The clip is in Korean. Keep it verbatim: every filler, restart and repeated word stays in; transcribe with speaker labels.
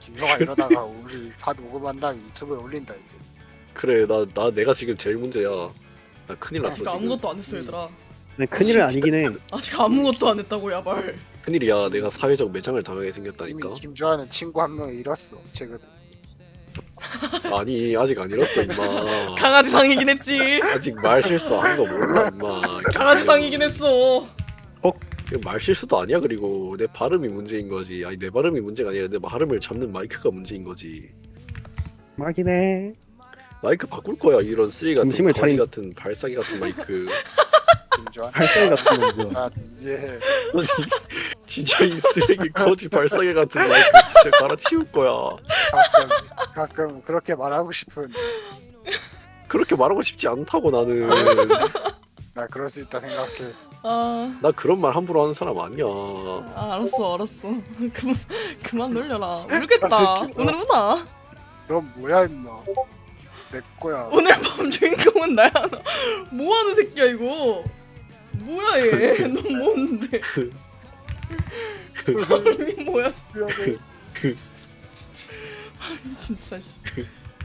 Speaker 1: 김성아 이러다가 우리 다 녹음한 다음에 유튜브에 올린다 이제.
Speaker 2: 그래 나 나 내가 지금 제일 문제야. 나 큰일 났어
Speaker 3: 아직
Speaker 2: 지금.
Speaker 3: 아무것도 안 했어 얘들아.
Speaker 4: 근데 큰일은 아니긴 해.
Speaker 3: 아직 아무것도 안 했다고 야발.
Speaker 2: 큰일이야. 내가 사회적 매장을 당하게
Speaker 1: 이미
Speaker 2: 생겼다니까.
Speaker 1: 김주환은 친구 한 명 잃었어 최근.
Speaker 2: 아니 아직 안 잃었어 임마.
Speaker 3: 강아지 상이긴 했지.
Speaker 2: 아직 말 실수한 거 몰라 임마.
Speaker 3: 강아지 상이긴 했어.
Speaker 2: 이거 말 실수도 아니야. 그리고 내 발음이 문제인 거지. 아니 내 발음이 문제가 아니라 내 발음을 잡는 마이크가 문제인 거지.
Speaker 4: 막긴 해.
Speaker 2: 마이크 바꿀 거야. 이런 쓰레기 같은
Speaker 4: 중심을
Speaker 2: 거지
Speaker 4: 차린-
Speaker 2: 같은 발사기 같은 마이크.
Speaker 1: 김주환.
Speaker 4: 발사기 같은 거 뭐야.
Speaker 1: 나 이해해.
Speaker 2: 아니 진짜 이 쓰레기 거지 발사기 같은 마이크 진짜 갈아치울 거야.
Speaker 1: 가끔 가끔 그렇게 말하고 싶은.
Speaker 2: 그렇게 말하고 싶지 않다고 나는.
Speaker 1: 나 그럴 수 있다 생각해.
Speaker 3: 아,
Speaker 2: 나 그런 말 함부로 하는 사람 아니야.
Speaker 3: 아 알았어 알았어. 그만 그만 놀려라. 울겠다.
Speaker 1: 저 새끼 뭐.
Speaker 3: 오늘 우나.
Speaker 1: 넌 뭐야 임마. 내 거야.
Speaker 3: 오늘 밤 주인공은 나야. 뭐 하는 새끼야 이거. 뭐야 얘. 넌 뭔데? 이게 뭐야?
Speaker 1: 미안해.
Speaker 3: 진짜 씨.